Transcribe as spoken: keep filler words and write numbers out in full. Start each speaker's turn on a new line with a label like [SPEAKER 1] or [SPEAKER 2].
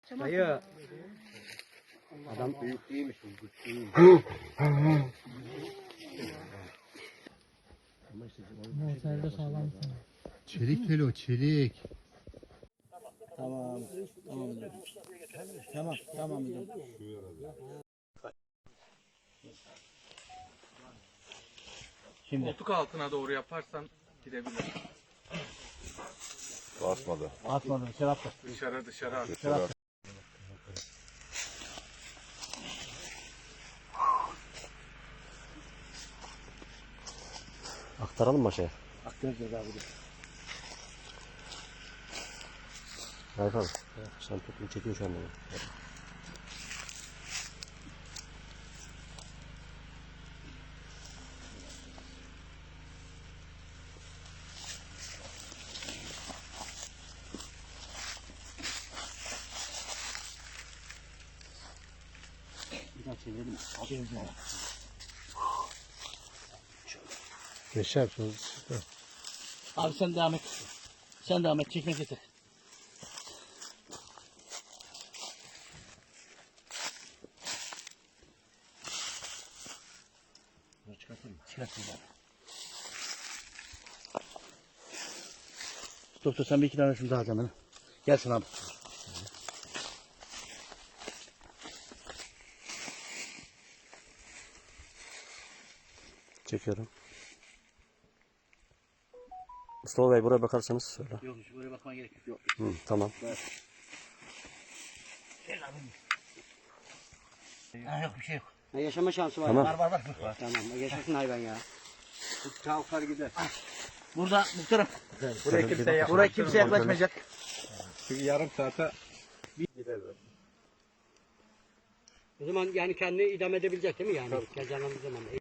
[SPEAKER 1] Dayı. Adam büyük değilmiş bu. Güçlüymüş.
[SPEAKER 2] Motorda sağlam.
[SPEAKER 3] Çelik telo, çelik.
[SPEAKER 2] Tamam. Tamam. Tamam. Tamam.
[SPEAKER 4] Şimdi. Koltuk altına doğru yaparsan gidebilir.
[SPEAKER 5] Basmadı.
[SPEAKER 2] Atmadım. Dışarı attı.
[SPEAKER 4] Dışarı dışarı at.
[SPEAKER 5] Dışarı.
[SPEAKER 1] Aktaralım mı aşağıya?
[SPEAKER 2] Aktaracağız abi.
[SPEAKER 1] Raif abi. Sen tutun çekiyor şu anda. Bir daha çevirelim. Çevirelim.
[SPEAKER 3] Geçer yapacağız.
[SPEAKER 2] Abi sen devam et. Sen devam et. Çekmek yeter.
[SPEAKER 1] Bunu çıkartayım mı?
[SPEAKER 2] Çıkartın abi. Doktor sen bir iki tane şunu daha canım. Gelsin abi.
[SPEAKER 1] Çekiyorum. Mustafa Bey buraya bakarsanız söyle.
[SPEAKER 2] Yok hiç buraya bakmaya gerek yok. Yok.
[SPEAKER 1] Hı, tamam.
[SPEAKER 2] Ha, yok bir şey yok.
[SPEAKER 6] Ne yaşama şansı var.
[SPEAKER 1] Tamam.
[SPEAKER 2] Var var var. var.
[SPEAKER 6] Tamam. Yaşasın hayvan ya.
[SPEAKER 1] Kalkar gider.
[SPEAKER 2] Burada muhtarım.
[SPEAKER 4] Buraya kimse yapmaz.
[SPEAKER 2] Buraya kimse yaklaşmayacak.
[SPEAKER 4] Çünkü yarım saate
[SPEAKER 6] O zaman yani kendini idame edebilecek değil mi yani? Kazanamız zaman.